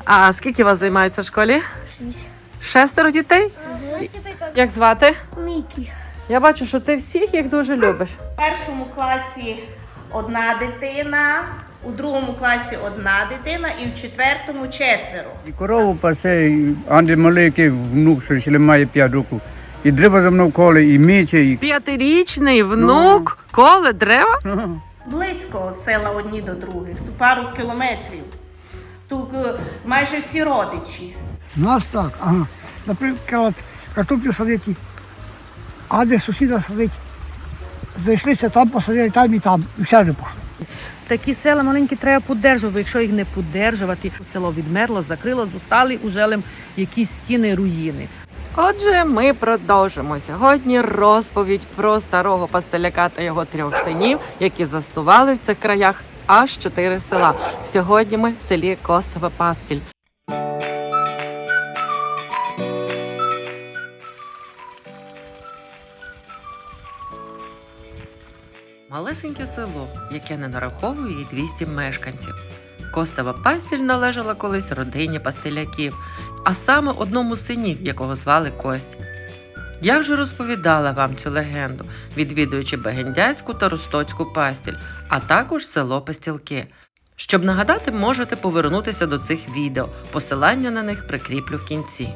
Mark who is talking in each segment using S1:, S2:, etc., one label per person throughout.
S1: А скільки вас займається в школі?
S2: 6.
S1: 6 дітей? Як звати?
S2: Мікі.
S1: Я бачу, що ти всіх їх дуже любиш.
S3: У першому класі одна дитина, у другому класі одна дитина і в четвертому 4.
S4: І корову пасе, і Андрій маленький внук, що ще має 5 років. І дерева за мною коле, і міче, і...
S1: 5-річний внук коле дерева?
S3: Близько села одні до других, тут пару кілометрів. Тут майже всі родичі.
S5: У нас так, ага. Наприклад, картоплю садити, а де сусіда садить, зайшлися там, посадили там і там, і все пішло.
S6: Такі села маленькі треба підтримувати, якщо їх не підтримувати, село відмерло, закрило, зостали уже якісь стіни, руїни.
S1: Отже, ми продовжимо сьогодні розповідь про старого пастеляка та його 3 синів, які заснували в цих краях аж 4 села. Сьогодні ми в селі Костова Пастіль. Малесеньке село, яке не нараховує й 200 мешканців. Костова Пастіль належала колись родині пастеляків, а саме одному з синів, якого звали Кость. Я вже розповідала вам цю легенду, відвідуючи Бегендяцьку та Ростоцьку Пастіль, а також село Пастілки. Щоб нагадати, можете повернутися до цих відео, посилання на них прикріплю в кінці.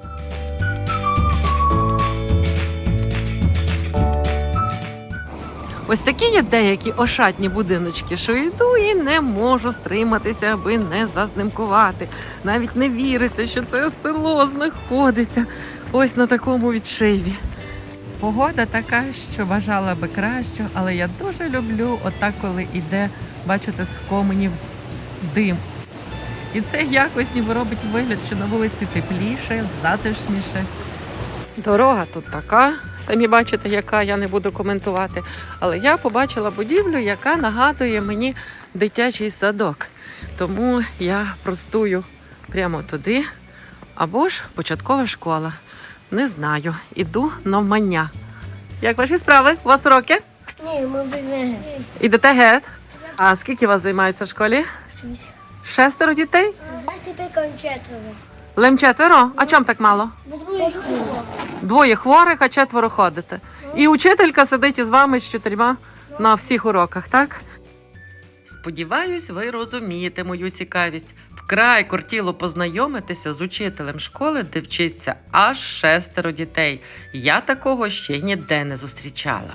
S1: Ось такі є деякі ошатні будиночки, що йду і не можу стриматися, аби не зазнимкувати. Навіть не віриться, що це село знаходиться ось на такому відшиві. Погода така, що бажала би краще, але я дуже люблю отак, коли йде, бачите, з коменів дим. І це якось ніби робить вигляд, що на вулиці тепліше, затишніше. Дорога тут така, самі бачите, яка, я не буду коментувати. Але я побачила будівлю, яка нагадує мені дитячий садок. Тому я простую прямо туди, або ж початкова школа. Не знаю, іду навмання. Як ваші справи? У вас уроки?
S2: Ні, ми біжимо.
S1: Ідете геть? А скільки вас займається в школі? 6 дітей?
S2: Нас тепер 4.
S1: Лим 4? А чому так мало?
S2: Бо двоє хворих.
S1: 2 хворих, а 4 ходите. І учителька сидить із вами з 4 на всіх уроках, так? Сподіваюсь, ви розумієте мою цікавість. Вкрай кортіло познайомитися з учителем школи, де вчиться аж 6 дітей. Я такого ще ніде не зустрічала.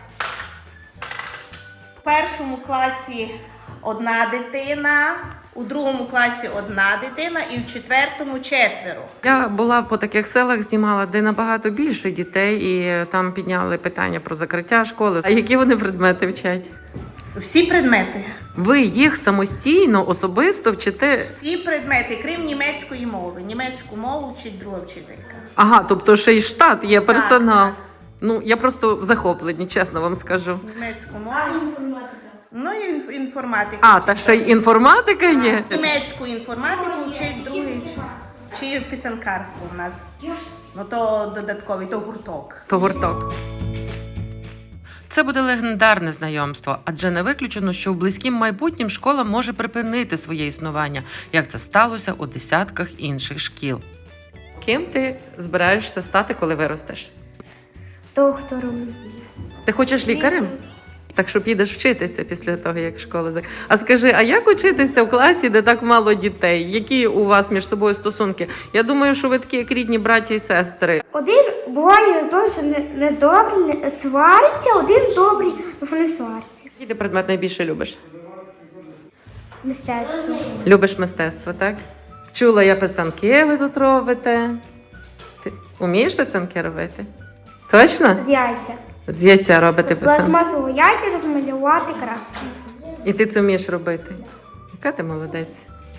S3: У першому класі одна дитина, у другому класі одна дитина і в четвертому 4.
S1: Я була по таких селах, знімала, де набагато більше дітей, і там підняли питання про закриття школи. А які вони предмети вчать?
S3: Всі предмети.
S1: Ви їх самостійно, особисто вчите?
S3: Всі предмети, крім німецької мови. Німецьку мову вчить друга вчителька.
S1: Ага, тобто ще й штат, є персонал.
S3: Так.
S1: Ну, я просто в захопленні, чесно вам скажу.
S3: Німецьку мову. Ну і інформатика.
S1: А, та ще й інформатика є?
S3: Німецьку інформатику вчить другий. Чи писанкарство у нас. Ну то додатковий, то гурток.
S1: То гурток. Це буде легендарне знайомство, адже не виключено, що в близькім майбутнім школа може припинити своє існування, як це сталося у десятках інших шкіл. Ким ти збираєшся стати, коли виростеш?
S2: Доктором.
S1: Ти хочеш лікарем? Так що підеш вчитися після того, як школа закінчиться. А скажи, а як учитися в класі, де так мало дітей? Які у вас між собою стосунки? Я думаю, що ви такі як рідні браті і сестри.
S2: Один буває той, що не добрий, не свариться, один добрий, то не свариться.
S1: Який ти предмет найбільше любиш?
S2: Мистецтво.
S1: Любиш мистецтво, так? Чула я писанки ви тут робите. Ти вмієш писанки робити? Точно?
S2: З яйця.
S1: З яйця робити писанки.
S2: Пластмасового яйця розмалювати краски.
S1: І ти це вмієш робити. Яка ти молодець.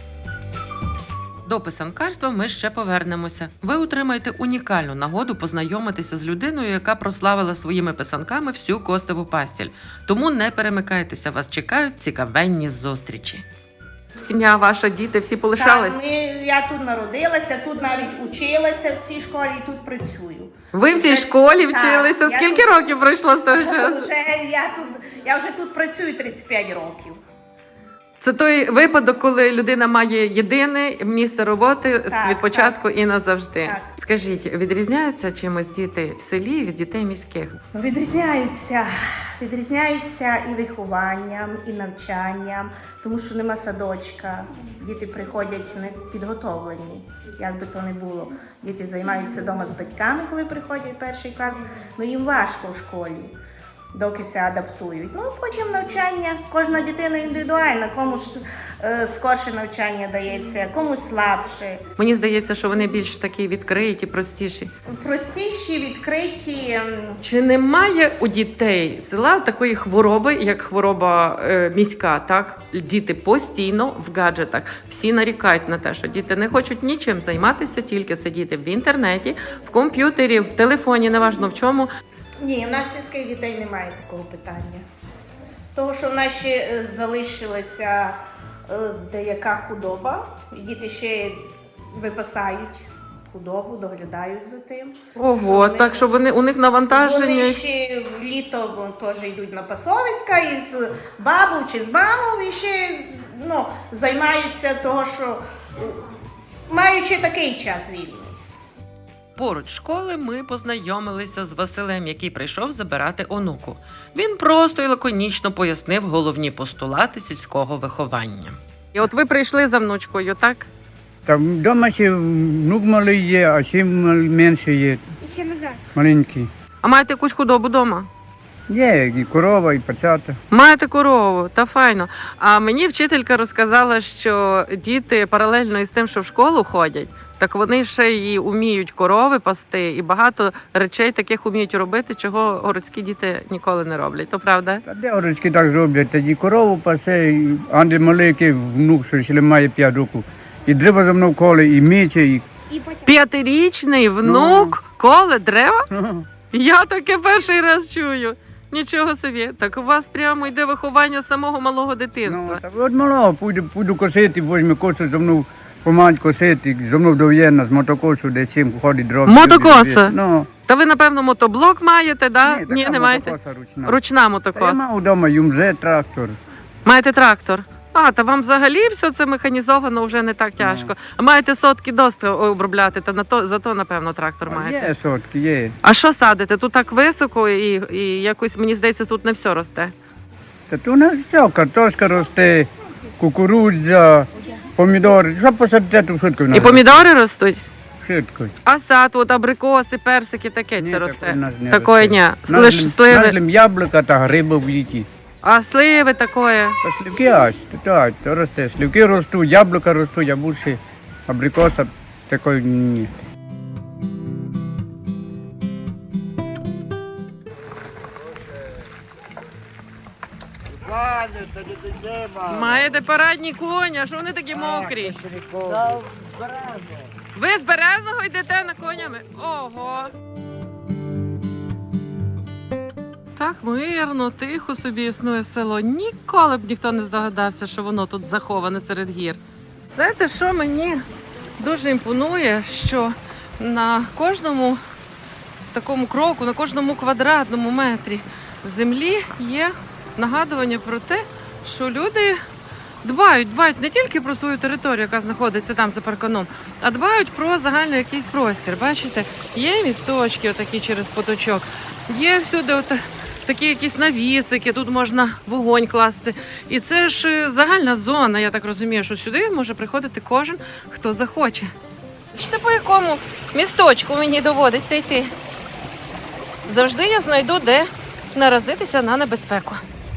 S1: До писанкарства ми ще повернемося. Ви отримаєте унікальну нагоду познайомитися з людиною, яка прославила своїми писанками всю Костову Пастіль. Тому не перемикайтеся, вас чекають цікавенні зустрічі. Сім'я ваша, діти, всі полишались?
S3: Так, я тут народилася, тут навіть училася в цій школі і тут працюю.
S1: Ви в цій школі
S3: Так,
S1: вчилися?
S3: я
S1: Скільки
S3: тут-
S1: років пройшло з того часу?
S3: Я вже тут працюю 35 років.
S1: Це той випадок, коли людина має єдине місце роботи
S3: Так,
S1: від початку і назавжди.
S3: Так.
S1: Скажіть, відрізняються чимось діти в селі від дітей міських?
S3: Відрізняються. Відрізняються і вихованням, і навчанням, тому що нема садочка. Діти приходять не підготовлені, як би то не було. Діти займаються вдома з батьками, коли приходять в перший клас, ну їм важко в школі, доки се адаптують. Ну, потім навчання, кожна дитина індивідуальна, комусь скорше навчання дається, комусь слабше.
S1: Мені здається, що вони більш такі відкриті, простіші.
S3: Простіші, відкриті.
S1: Чи немає у дітей села такої хвороби, як хвороба міська? Так, діти постійно в гаджетах. Всі нарікають на те, що діти не хочуть нічим займатися, тільки сидіти в інтернеті, в комп'ютері, в телефоні, неважно в чому.
S3: Ні, в нас сільських дітей немає такого питання. Того, що в нас ще залишилася деяка худоба, і діти ще випасають худобу, доглядають за тим.
S1: Ого,
S3: Вони-
S1: так що у них навантаження.
S3: Вони ще в літо теж йдуть на пасовиська із бабу чи з мамою і ще займаються того, що маючи такий час вільний.
S1: Поруч школи ми познайомилися з Василем, який прийшов забирати онуку. Він просто і лаконічно пояснив головні постулати сільського виховання. І от ви прийшли за внучкою, так?
S4: Там вдома ще внук малий є, а ще менше є,
S2: І ще назад.
S4: маленький.
S1: А маєте якусь худобу вдома?
S4: Є і корова, і пацята.
S1: Маєте корову, та файно. А мені вчителька розказала, що діти паралельно із тим, що в школу ходять, так вони ще й уміють корови пасти, і багато речей таких уміють робити, чого городські діти ніколи не роблять. То правда?
S4: Та де городські так роблять, тоді корову пасе, і Андрій маленький внук, що ще має 5 років. І дерева за мною коле, і мече, і...
S2: І потім.
S1: 5-річний внук коле дерева? Я таке перший раз чую. Нічого собі. Так у вас прямо йде виховання самого малого дитинства.
S4: Ну, та от малого, буду косити, возьме косу, за мною помагать косити, за мною дов'єнна з мотокосу, де чим ходить дров.
S1: Мотокоса?
S4: Ну,
S1: Та ви, напевно, мотоблок маєте, да?
S4: така
S1: Ні, не маєте?
S4: мотокоса ручна.
S1: Ручна
S4: Та я
S1: мотокоса.
S4: мав вдома юмзе, трактор.
S1: Маєте трактор. А, та вам взагалі все це механізовано вже не так тяжко. А маєте сотки доски обробляти, та зато, напевно, трактор маєте.
S4: Є сотки, є.
S1: А що садите? Тут так високо і якось, мені здається, тут не все росте.
S4: Та тут у нас все, картошка росте, кукурудза, помідори. Що посадити, то швидко в нас
S1: І помідори ростуть?
S4: швидко.
S1: А сад, от абрикоси, персики, таке
S4: Ні,
S1: це
S4: такої
S1: росте.
S4: в нас не
S1: Такої
S4: росте.
S1: ні. Лише сливи.
S4: Нас яблука та гриби в літі.
S1: А сливи такої.
S4: Та сливки аж, то росте. Сливки ростуть, яблука ростуть, яблучі, абрикоса такої ні.
S1: Маєте парадні коні, а що вони такі мокрі? Ви з Березного йдете на конями? Ого! Так мирно, тихо собі існує село. Ніколи б ніхто не здогадався, що воно тут заховане серед гір. Знаєте, що мені дуже імпонує, що на кожному такому кроку, на кожному квадратному метрі землі є нагадування про те, що люди дбають не тільки про свою територію, яка знаходиться там за парканом, а дбають про загальний якийсь простір. Бачите, є місточки отакі через поточок, є всюди такі якісь навісики, тут можна вогонь класти. І це ж загальна зона, я так розумію, що сюди може приходити кожен, хто захоче. Бачите, по якому місточку мені доводиться йти? Завжди я знайду, де наразитися на небезпеку.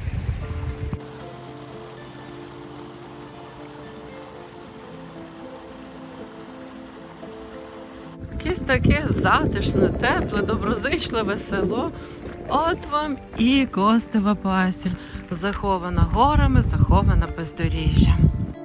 S1: Якесь таке затишне, тепле, доброзичливе село. От вам і Костева Пасіль, захована горами, захована бездоріжжям.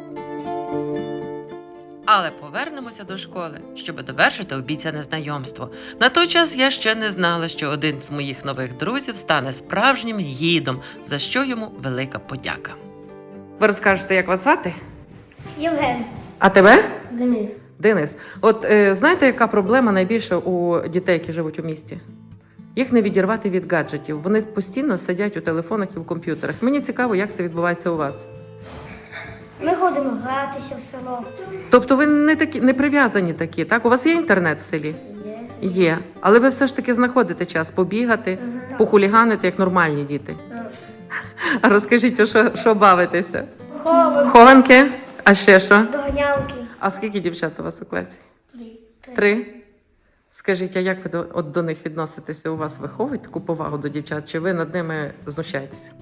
S1: Але повернемося до школи, щоб довершити обіцяне знайомство. На той час я ще не знала, що один з моїх нових друзів стане справжнім гідом, за що йому велика подяка. Ви розкажете, як вас звати?
S2: Євген.
S1: А тебе?
S2: Денис.
S1: Денис, от знаєте, яка проблема найбільша у дітей, які живуть у місті? Їх не відірвати від гаджетів. Вони постійно сидять у телефонах і в комп'ютерах. Мені цікаво, як це відбувається у вас.
S2: ходимо гратися в село.
S1: Тобто ви не прив'язані такі, так? У вас є інтернет в селі? Є. Але ви все ж таки знаходите час побігати, похуліганити, як нормальні діти. А розкажіть, що бавитеся? Хованки? А ще що?
S2: Доганялки.
S1: А скільки дівчат у вас у класі? 3? Скажіть, а як ви до них відноситеся? У вас виховують таку повагу до дівчат? Чи ви над ними знущаєтеся?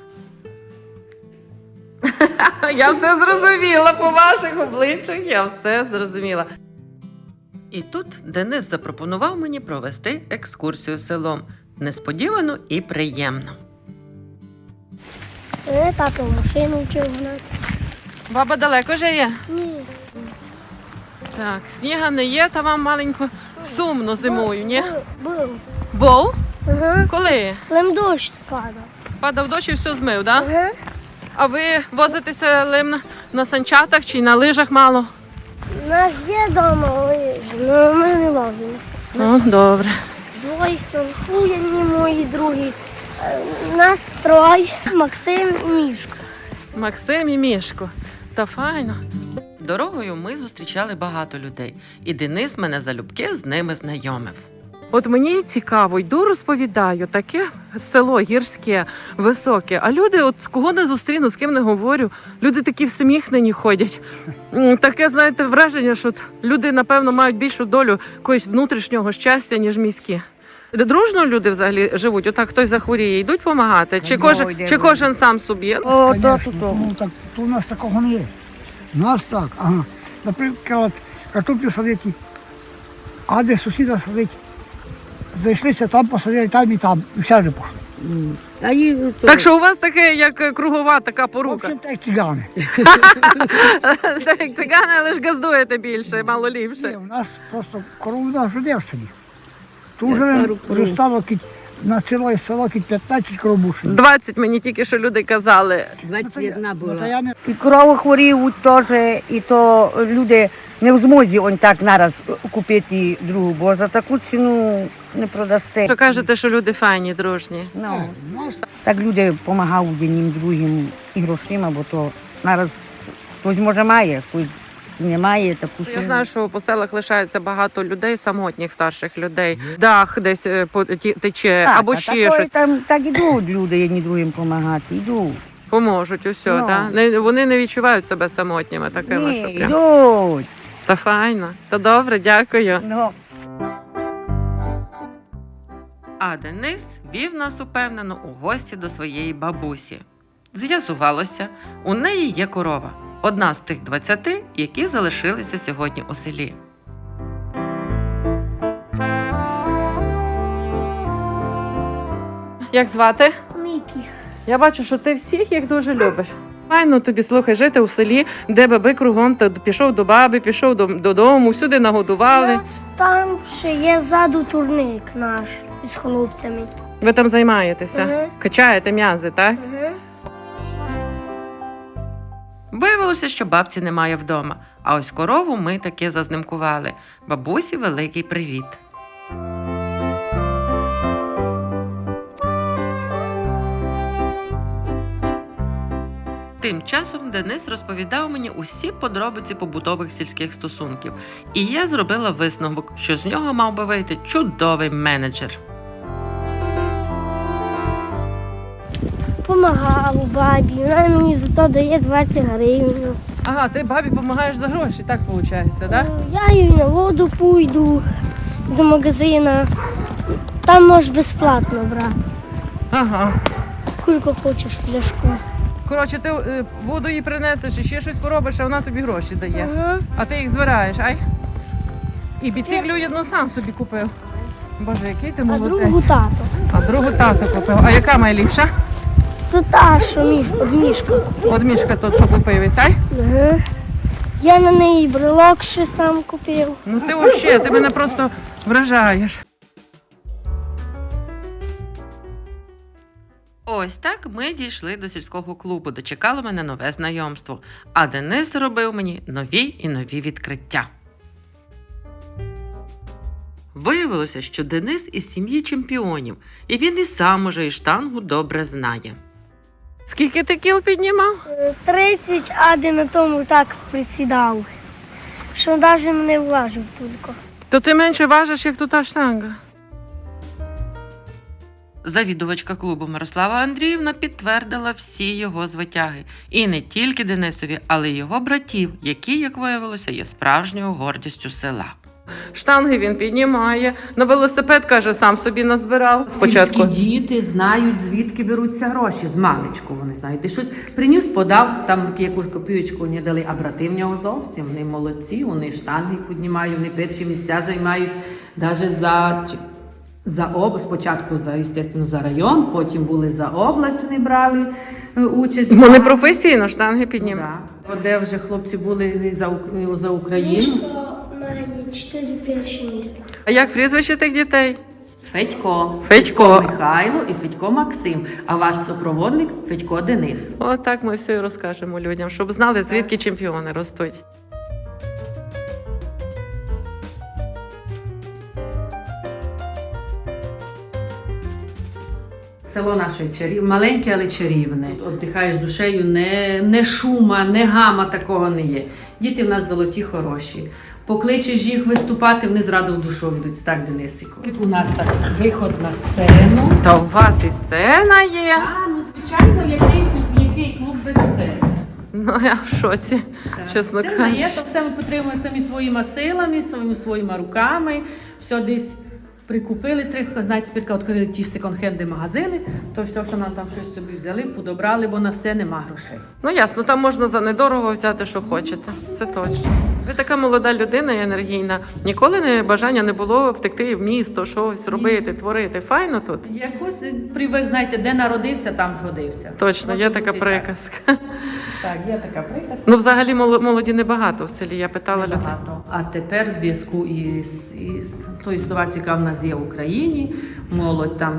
S1: Я все зрозуміла по ваших обличчях, я все зрозуміла. І тут Денис запропонував мені провести екскурсію селом. Несподівано і приємно.
S2: Тато машину вчив гнати.
S1: Баба далеко же є?
S2: Ні.
S1: Так, сніга не є, та вам маленько сумно зимою, ні?
S2: Був.
S1: Був?
S2: Ага.
S1: Коли?
S2: Лим дощ спадав.
S1: Падав дощ і все змив, так? Да?
S2: Ага.
S1: А ви возитеся лим на санчатах чи на лижах мало?
S2: У нас є вдома лижі, але ми не лазимо.
S1: Ну, добре.
S2: Двоє санкуєні мої другі. Нас троє. Максим і Мішка.
S1: Максим і Мішко. Та файно. Дорогою ми зустрічали багато людей, і Денис мене залюбки з ними знайомив. От мені цікаво, йду розповідаю, таке село гірське, високе, а люди, от кого не зустріну, з ким не говорю, люди такі всміхнені ходять. Таке, знаєте, враження, що люди, напевно, мають більшу долю якогось внутрішнього щастя, ніж міські. Дружно люди взагалі живуть? Отак хтось захворіє, йдуть допомагати? Чи кожен сам собі?
S5: Конечно. Ну, так, то у нас такого не є. У нас так, ага. Наприклад, картоплю садити, а де сусіда садить, зайшлися там, посадили там, і все вже пішли.
S1: Так що у вас таке, як кругова така
S5: В
S1: порука.
S5: общем, так як цигани.
S1: Так, як цигани, але ж газдуєте більше, мало
S5: Ні,
S1: ліпше.
S5: у нас просто корову нас жде в селі. Тут вже стало на ціле село 15 коробушин.
S1: 20 мені тільки що люди казали.
S5: 21 була.
S7: І корови хворіють теж, і то люди не в змозі он так нараз купити другу, бо за таку ціну не продасте.
S1: Що кажете, що люди файні, дружні?
S7: Ну, так люди допомагають одним другим і грошима, бо то нараз хтось може має, хтось не має таку
S1: Я знаю, що по селах лишається багато людей, самотніх старших людей. Дах десь тече,
S7: так,
S1: або ще
S7: такої
S1: щось.
S7: Там так ідуть люди одні другим допомагати, йдуть.
S1: Поможуть усе,
S7: Ну.
S1: да? Вони не відчувають себе самотніми такими,
S7: Ні,
S1: що прям.
S7: йдуть.
S1: Та файно. Та добре, дякую.
S7: Ну.
S1: А Денис вів нас упевнено у гості до своєї бабусі. З'ясувалося, у неї є корова. Одна з тих 20, які залишилися сьогодні у селі. Як звати?
S2: Мікі.
S1: Я бачу, що ти всіх їх дуже любиш. Файно тобі, слухай, жити у селі, де баби кругом, та пішов до баби, пішов додому, всюди
S2: У
S1: нагодували.
S2: нас там ще є ззаду турник наш із хлопцями.
S1: Ви там займаєтеся,
S2: Ага.
S1: качаєте м'язи, так?
S2: Ага.
S1: Виявилося, що бабці немає вдома, а ось корову ми таки зазнимкували. Бабусі великий привіт. Тим часом Денис розповідав мені усі подробиці побутових сільських стосунків, і я зробила висновок, що з нього мав би вийти чудовий менеджер.
S2: Помагав бабі, вона мені за то дає 20 гривень.
S1: Ага, ти бабі допомагаєш за гроші, так виходить, так?
S2: Я їй на воду пойду до магазину. Там можеш безплатно брати.
S1: Ага.
S2: Скільки хочеш пляшку.
S1: Коротше, ти воду їй принесеш і ще щось поробиш, а вона тобі гроші дає.
S2: Ага.
S1: А ти їх збираєш, ай? І біциклю одну сам собі купив. Боже, який ти
S2: А
S1: молодець.
S2: другу тато.
S1: А другу тато купив. А яка найліпша?
S2: То та, що від мішка.
S1: От мішка тут, що купив, ай?
S2: Ага. Я на неї брелок ще сам купив.
S1: Ну ти взагалі, ти мене просто вражаєш. Ось так ми дійшли до сільського клубу, де чекало мене нове знайомство. А Денис зробив мені нові і нові відкриття. Виявилося, що Денис із сім'ї чемпіонів, і він і сам уже і штангу добре знає. Скільки ти кіл піднімав?
S2: 30, а де на тому так присідав. Що навіть не влажив тільки.
S1: То ти менше важиш, як тута штанга. Завідувачка клубу Мирослава Андріївна підтвердила всі його звитяги. І не тільки Денисові, але й його братів, які, як виявилося, є справжньою гордістю села. Штанги він піднімає, на велосипед, каже, сам собі назбирав. Спочатку.
S6: Сільські діти знають, звідки беруться гроші. З маличку вони знають. Ти щось приніс, подав, там якусь копійочку не дали, а брати в нього зовсім. Вони молодці, вони штанги піднімають, вони перші місця займають. Навіть спочатку за район, потім були за область, вони брали участь.
S1: Вони професійно штанги піднімають.
S6: Да. Де вже хлопці були за Україну.
S2: На 4 перші місця.
S1: А як прізвище тих дітей?
S6: Федько.
S1: Федько.
S6: Михайло і Федько Максим. А ваш супроводник Федько Денис.
S1: Отак ми все і розкажемо людям, щоб знали, звідки чемпіони ростуть.
S6: Село наше маленьке, але чарівне. Отдихаєш душею, не шума, не гама, такого не є. Діти в нас золоті, хороші. Покличеш їх виступати, вони зразу в душу йдуть. Так, Денисику. У нас так виход на сцену.
S1: Та у вас і сцена є.
S6: Звичайно, який клуб без сцени.
S1: Ну, я в шоці, чесно
S6: Сцена є,
S1: кажучи.
S6: то все ми підтримуємо самі своїми силами, своїми руками. Все десь прикупили, знаєте, тепер відкрили ті секонд-хенди магазини, то все, що нам там щось собі взяли, подобрали, бо на все нема грошей.
S1: Ну ясно, там можна за недорого взяти, що хочете. Це точно. Ви така молода людина і енергійна. Ніколи бажання не було втекти в місто, щось робити, творити. Файно тут?
S6: Якось привик, знаєте, де народився, там згодився.
S1: Точно,
S6: Може
S1: є
S6: бути
S1: така
S6: і
S1: приказка.
S6: Так, є така приказка.
S1: Ну, взагалі, молоді небагато в селі. Я питала людей.
S6: Багато. А тепер в зв'язку із тою ситуацією, яка в нас є в Україні, молодь там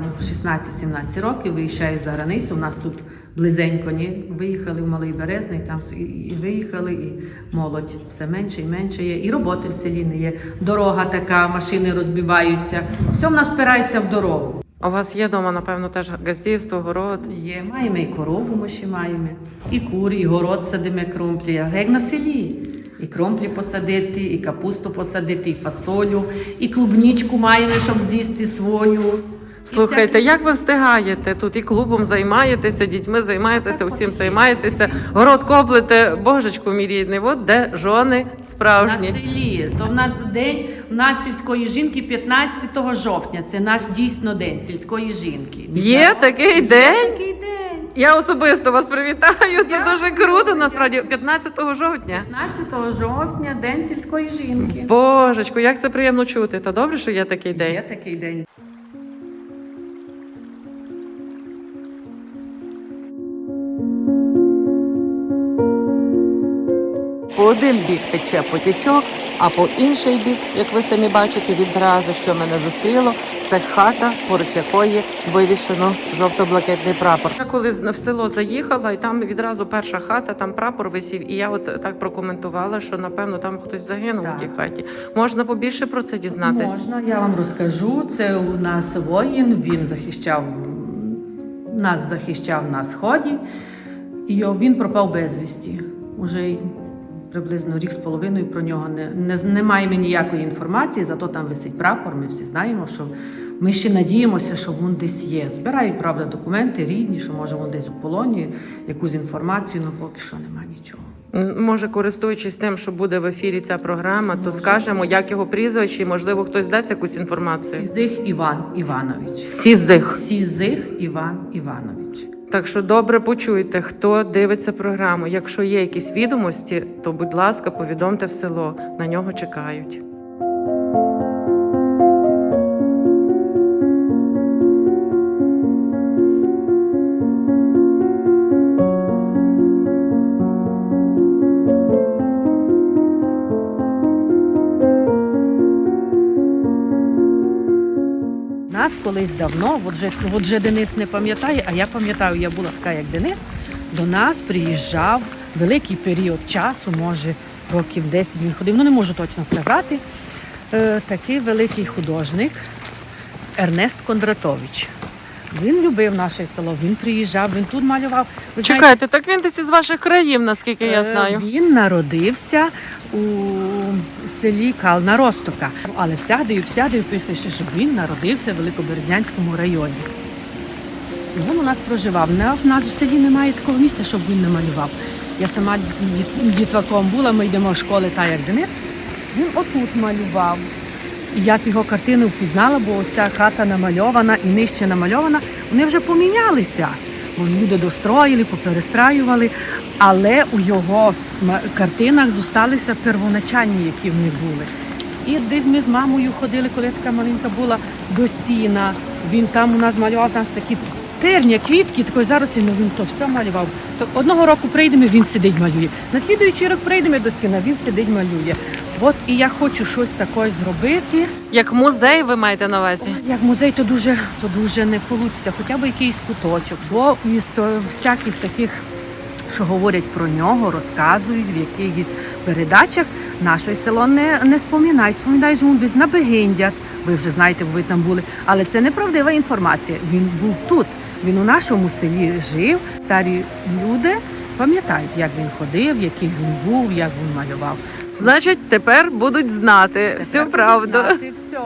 S6: 16-17 років виїжджає за границю. У нас тут близенько виїхали в Малий Березний, там і виїхали, і молодь все менше і менше є. І роботи в селі не є. Дорога така, машини розбиваються. Все в нас впирається в дорогу.
S1: У вас є вдома, напевно, теж газдівство, город.
S6: Є, маємо і корову, ми ще маємо, і кури, і город садимо кромплі, а як на селі. І кромплі посадити, і капусту посадити, і фасолю, і клубничку маємо, щоб з'їсти свою.
S1: Слухайте, як ви встигаєте? Тут і клубом займаєтеся, дітьми займаєтеся, усім займаєтеся, город коплите, божечку мій рідний, от де жони справжні.
S6: На селі. То в нас день, у нас сільської жінки 15 жовтня, це наш дійсно день сільської жінки.
S1: Є такий день?
S6: Такий день.
S1: Я особисто вас привітаю, це дуже круто, насправді, 15 жовтня.
S6: 15 жовтня, день сільської жінки.
S1: Божечку, як це приємно чути, та добре, що є такий день.
S6: Є такий день.
S1: По один бік тече потічок, а по інший бік, як ви самі бачите, відразу, що мене зустріло, це хата, поруч якої вивішено жовто-блакитний прапор. Я коли в село заїхала, і там відразу перша хата, там прапор висів, і я от так прокоментувала, що, напевно, там хтось загинув у тій хаті. Можна побільше про це дізнатись?
S6: Можна, я вам розкажу. Це у нас воїн, він захищав на Сході, і він пропав безвісті. Уже приблизно рік з половиною про нього не маємо ніякої інформації, зато там висить прапор, ми всі знаємо, що ми ще надіємося, що він десь є. Збирають, правда, документи рідні, що може він десь у полоні, якусь інформацію, але поки що нема нічого.
S1: Може, користуючись тим, що буде в ефірі ця програма, то скажемо, як його прізвище, і, можливо, хтось дасть якусь інформацію.
S6: Сізих Іван Іванович.
S1: Сізих.
S6: Сізих Іван Іванович.
S1: Так що добре почуйте, хто дивиться програму. Якщо є якісь відомості, то, будь ласка, повідомте в село. На нього чекають.
S6: Нас колись давно, от же Денис не пам'ятає, а я пам'ятаю, я була така, як Денис, до нас приїжджав великий період часу, може років 10 він ходив, не можу точно сказати, такий великий художник Ернест Кондратович. Він любив наше село, він приїжджав, він тут малював. Ви знаєте,
S1: Чекайте, так він десь із ваших країв, наскільки я знаю.
S6: Він народився у селі Кална Ростока, але всяде пише, що він народився в Великоберезнянському районі. І він у нас проживав. В нас у селі немає такого місця, щоб він не малював. Я сама дітваком була, ми йдемо в школи, та як Денис. Він отут малював. І я його картину впізнала, бо ця хата намальована і нижче намальована. Вони вже помінялися. Бо люди достроїли, поперестраювали, але у його картинах зосталися первоначальні, які в них були. І десь ми з мамою ходили, коли така маленька була, до сіна. Він там у нас малював такі терні, квітки, такої зарослі, ну він то все малював. То одного року прийдемо, він сидить малює. На слідуючий рік прийдемо до сіна, він сидить малює. От і я хочу щось таке зробити.
S1: Як музей ви маєте на увазі?
S6: Як музей, то дуже не вийде, хоча б якийсь куточок. Бо із всяких таких, що говорять про нього, розказують в якихось передачах, наше село не споминають. Споминають йому десь на Бегиндях. Ви вже знаєте, ви там були. Але це неправдива інформація. Він був тут. Він у нашому селі жив. Старі люди пам'ятають, як він ходив, який він був, як він малював.
S1: Значить, тепер будуть знати всю правду.
S6: Все.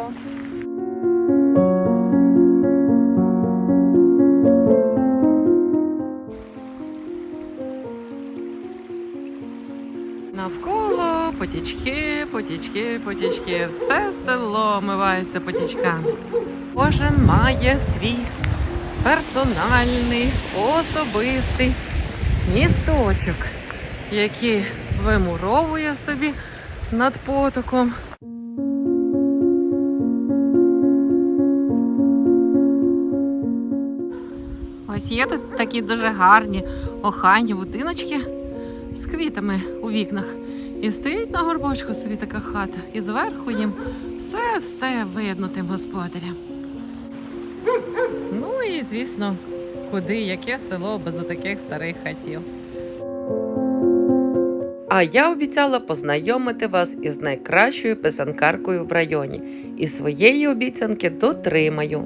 S1: Навколо потічки, все село омивається потічками. Кожен має свій персональний, особистий місточок, який вимуровує собі над потоком. Ось є тут такі дуже гарні охайні будиночки з квітами у вікнах. І стоїть на горбочку собі така хата. І зверху їм все видно тим господарям. Ну і, звісно, куди, яке село без отаких старих хатів. А я обіцяла познайомити вас із найкращою писанкаркою в районі. І своєї обіцянки дотримаю.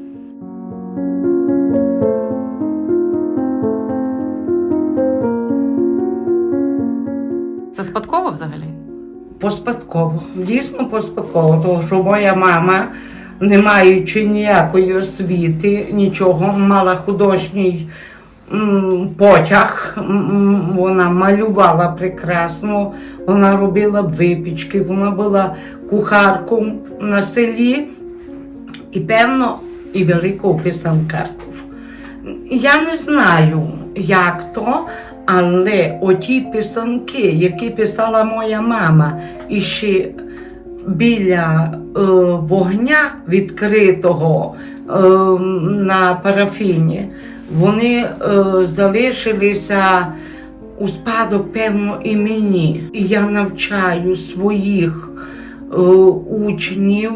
S1: Це спадково взагалі?
S8: Поспадково, дійсно поспадково, тому що моя мама, не маючи ніякої освіти, нічого, мала художній потяг, вона малювала прекрасно, вона робила випічки, вона була кухарком на селі і, певно, і великою писанкаркою. Я не знаю, як то, але оті писанки, які писала моя мама, і ще біля вогня відкритого на парафіні, вони залишилися у спадок, певно, і мені. І я навчаю своїх учнів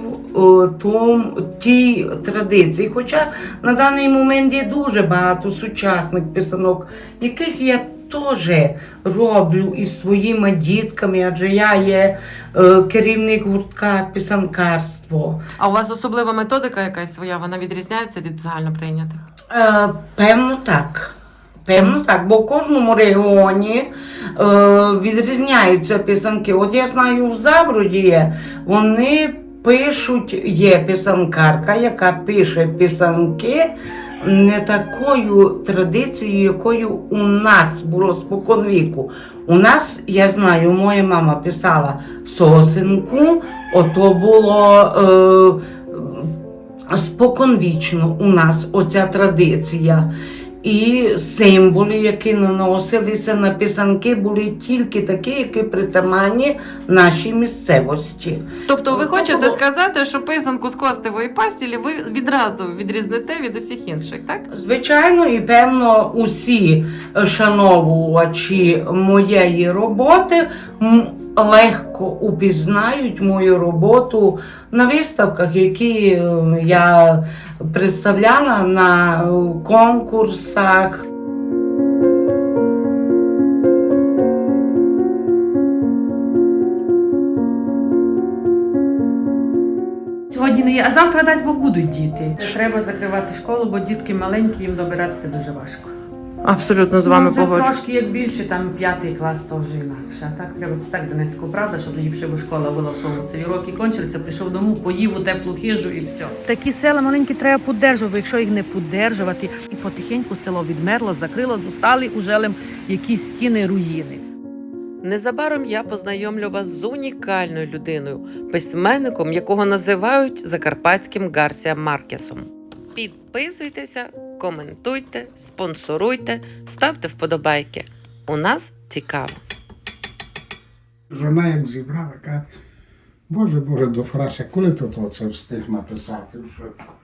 S8: тій традиції. Хоча на даний момент є дуже багато сучасних писанок, яких я теж роблю із своїми дітками, адже я є керівник гуртка писанкарство.
S1: А у вас особлива методика якась своя, вона відрізняється від загальноприйнятих?
S8: Певно так. Певно так, бо в кожному регіоні відрізняються писанки. От я знаю, в Заброді вони пишуть, є писанкарка, яка пише писанки не такою традицією, якою у нас було споконвіку. У нас, я знаю, моя мама писала сосенку, ото було споконвічно у нас оця традиція. І символи, які наносилися на писанки, були тільки такі, які притаманні нашій місцевості.
S1: Тобто ви хочете сказати, що писанку з костевої пастілі ви відразу відрізнете від усіх інших, так?
S8: Звичайно, і певно усі шановувачі моєї роботи легко упізнають мою роботу на виставках, які я представляла на конкурсах.
S6: Сьогодні не є. А завтра, дасть Бог, будуть діти. Треба закривати школу, бо дітки маленькі, їм добиратися дуже важко.
S1: Абсолютно з вами
S6: вже
S1: погоджуюсь.
S6: трошки як більше, там 5 клас, то вже інакше. А так треба це так Донецьку, правда, щоб ліпше бо школа була в тому селі. Роки кончилися, прийшов дому, поїв у теплу хижу і все. Такі села маленькі треба піддержувати, якщо їх не піддержувати. І потихеньку село відмерло, закрило, зустали ужелем якісь стіни, руїни.
S1: Незабаром я познайомлю вас з унікальною людиною, письменником, якого називають закарпатським Гарсія Маркесом. Підписуйтеся, коментуйте, спонсоруйте, ставте вподобайки. У нас цікаво.
S9: Жона як зібрала, каже, Боже, до Фрася, коли ти це встиг написати?